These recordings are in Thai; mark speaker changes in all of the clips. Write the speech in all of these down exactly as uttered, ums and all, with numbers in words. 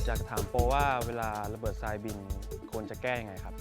Speaker 1: อยากถามโปว่าเวลาระเบิดทรายบินควรจะแก้ยังไงครับ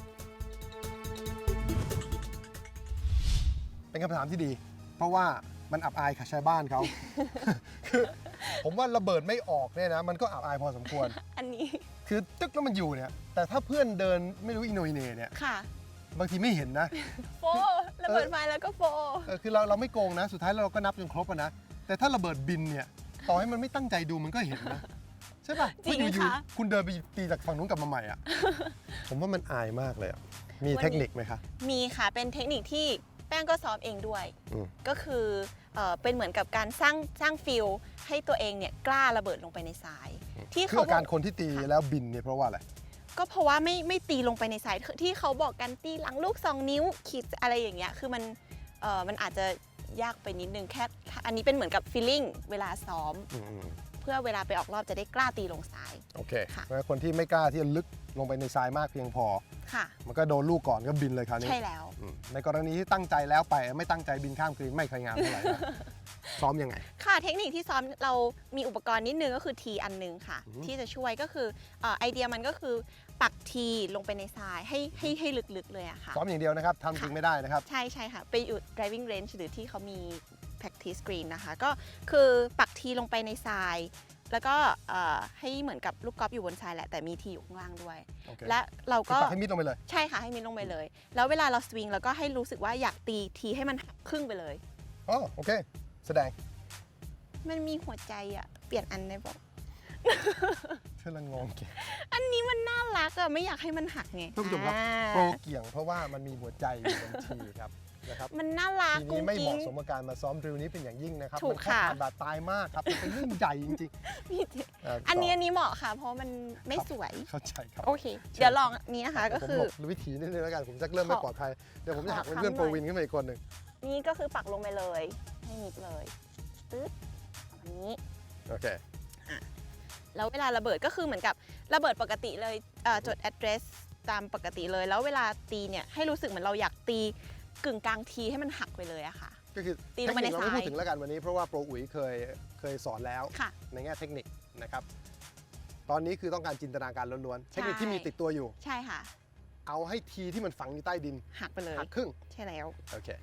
Speaker 2: เป็นคำถามที่ดีเพราะว่ามันอับอายค่ะชาวบ้านเขา คือผมว่าระเบิดไม่ออกเนี่ยนะมันก็อับอายพอสมควร
Speaker 3: อันนี้
Speaker 2: คือตึ๊กแล้วมันอยู่เนี่ยแต่ถ้าเพื่อนเดินไม่รู้อินโนอินเน่เนี่ย
Speaker 3: ค่ะ
Speaker 2: บางทีไม่เห็นนะ
Speaker 3: โฟระเบิดไฟแล้วก็โฟ
Speaker 2: เออคือเราเราไม่โกงนะสุดท้ายเราก็นับจนครบอะนะแต่ถ้าระเบิดบินเนี่ยต่อให้มันไม่ตั้งใจดูมันก็เห็นนะใช่ป่ะ
Speaker 3: จริง
Speaker 2: อยู่
Speaker 3: ค่ะ
Speaker 2: ๆคุณเดินไปตีจากฝั่งนู้นกลับมาใหม่อ่ะ ผมว่ามันอายมากเลยอะมีเทคนิคไหมคะ
Speaker 3: มีค่ะเป็นเทคนิคที่แป้งก็ซ้อมเองด้วย
Speaker 2: อืม
Speaker 3: ก็คือเอ่อเป็นเหมือนกับการสร้างสร้างฟิลให้ตัวเองเนี่ยกล้าระเบิดลงไปในทราย ที่
Speaker 2: คือ
Speaker 3: เขา
Speaker 2: อาการคนที่ตีแล้วบินเนี่ยเพราะว่าอะไร
Speaker 3: ก็เพราะว่าไม่ไม่ตีลงไปในทรายที่เขาบอกกันตีหลังลูกสองนิ้วขีดอะไรอย่างเงี้ยคือมันเอ่อมันอาจจะยากไปนิดนึงแค่อันนี้เป็นเหมือนกับฟีลลิ่งเวลาซ้อม
Speaker 2: อืม
Speaker 3: เพื่อเวลาไปออกรอบจะได้กล้าตีลงทราย
Speaker 2: โอเค
Speaker 3: ค่ะ
Speaker 2: เพราะฉะนั้นคนที่ไม่กล้าที่จะลึกลงไปในทรายมากเพียงพอ
Speaker 3: ค่ะ
Speaker 2: มันก็โดนลูกก่อนก็บินเลยคราวนี้
Speaker 3: ใช่แล้ว
Speaker 2: อืมในกรณีที่ตั้งใจแล้วไปไม่ตั้งใจบินข้ามคืนไม่เคยงามเท่าไหร่ นะ ซ้อมยังไง
Speaker 3: ค่ะเทคนิคที่ซ้อมเรามีอุปกรณ์นิดนึงก็คือทีอันนึงค่ะ
Speaker 2: อือฮึ
Speaker 3: ที่จะช่วยก็คือเอ่อไอเดียมันก็คือปักทีลงไปในทรายให้ให้ให้ลึกๆเลยอะค่ะ
Speaker 2: ซ้อมอย่างเดียวนะครับทำจริงไม่ได้นะครับ
Speaker 3: ใช่ใช่ค่ะ ไปอยู่ driving range หรือที่เขามี practice green นะคะ ก็คือปักทีลงไปในทราย แล้วก็เอ่อให้เหมือนกับลูกกอล์ฟอยู่บนทรายแหละ แต่มีทีอยู่ข้างล่างด้วย
Speaker 2: โอเค
Speaker 3: และเรา
Speaker 2: คือ
Speaker 3: ก็
Speaker 2: ปักให้มิดลงไปเลย
Speaker 3: ใช่ค่ะ ให้มิดลงไปเลย แล้วเวลาเราสวิงเราก็ให้รู้สึกว่าอยากตีทีให้มันหักครึ่งไปเลย
Speaker 2: อ๋อโอเค แสดง
Speaker 3: มันมีหัวใจอะเปลี่ยนอันได้บอก
Speaker 2: เธอละงงเก่ง
Speaker 3: อันนี้มันน่ารักอะไม่อยากให้มันหักไง
Speaker 2: ท่านผู้ชมครับ
Speaker 3: อ่า
Speaker 2: โปรเกี่ยงเพราะว่ามันมีหัวใจอยู่บนทีครับนะครับ
Speaker 3: มันน่ารัก
Speaker 2: ที
Speaker 3: กุ้
Speaker 2: นี้
Speaker 3: ง
Speaker 2: ไม่เห
Speaker 3: กิ้ง
Speaker 2: มาะสมกับการมาซ้อมดริลนี้เป็นอย่างยิ่งนะครับ
Speaker 3: ถูก
Speaker 2: มัแค่
Speaker 3: ค่ะ
Speaker 2: ผ่านบาดตายมากครับมันเป็นเรื่องใหญ่จริง
Speaker 3: พี่เจ
Speaker 2: ๆเ
Speaker 3: อันนี้
Speaker 2: ต่
Speaker 3: อันนี้เหมาะค่ะ เพราะมันไม่สวย
Speaker 2: เข้าใจครับ
Speaker 3: โอเค เดี๋ยวลองอันนี้นะคะก็
Speaker 2: ผม
Speaker 3: คือ
Speaker 2: หลบวิธีนิดนึงแล้วกันผมจะเริ่มไม่
Speaker 3: ขอ
Speaker 2: ปลอดภัยเดี๋ยวผมจะหักเป็น
Speaker 3: ขอ
Speaker 2: เพื่อน
Speaker 3: ค้ำ
Speaker 2: โปร
Speaker 3: หน่อย
Speaker 2: วินขึ้นมาอีกคนหนึ่ง
Speaker 3: นี่ก็คือปักลงไปเลย ให้มิดเลยตึ๊ดแบบนี้
Speaker 2: โอเค
Speaker 3: แล้วเวลาระเบิดก็คือเหมือนกับระเบิดปกติเลยเอ่อจด address ตามปกติเลย แล้วเวลาตีเนี่ยให้รู้สึกเหมือนเราอยากตีกึ่งกลางทีให้มันหักไปเลยอะค่ะ
Speaker 2: ก็คือ
Speaker 3: ตี
Speaker 2: เท
Speaker 3: ล
Speaker 2: ค
Speaker 3: งไป
Speaker 2: นิค
Speaker 3: ใน
Speaker 2: เราไม่
Speaker 3: ทราย
Speaker 2: พูดถึงแล้วกันวันนี้เพราะว่าโปรอุ๋ยเคยเคยสอนแล้ว
Speaker 3: ค่ะ
Speaker 2: ในแง่เทคนิคนะครับ ตอนนี้คือต้องการจินตนาการล้วนๆ เทคนิคที่มีติดตัวอยู่
Speaker 3: ใช่ค่ะ
Speaker 2: เอาให้ทีที่มันฝังอยู่ใต้ดิน
Speaker 3: หักไปเลย
Speaker 2: หักครึ่ง
Speaker 3: ใช่แล้ว
Speaker 2: โอเค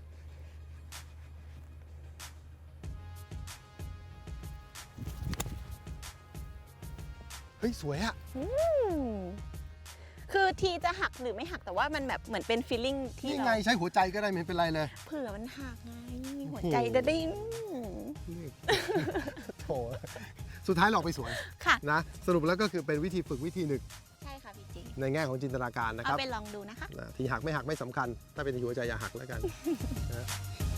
Speaker 2: เฮ้ย สวยอะ
Speaker 3: อืมคือทีจะหักหรือไม่หักแต่ว่ามันแบบเหมือนเป็น feeling ที่
Speaker 2: นี่
Speaker 3: เรา
Speaker 2: ไงใช้หัวใจก็ได้ไม่เป็นไรเลย
Speaker 3: เผื่อมันหักไงหัว
Speaker 2: โอ้โห
Speaker 3: ใจจะได้อืม
Speaker 2: โถสุดท้ายเราออกไปสวย
Speaker 3: ค่ะ
Speaker 2: นะ สรุปแล้วก็คือเป็นวิธีฝึกวิธีหนึ่ง
Speaker 3: ใช่ค่ะพี่จี
Speaker 2: ในแง่ของจินตนาการนะค
Speaker 3: เอา
Speaker 2: รับ
Speaker 3: ไปลองดูนะคะ
Speaker 2: นะทีหักไม่หักไม่สำคัญ ถ้าเป็นหัวใจอย่าหักแล้วกันนะ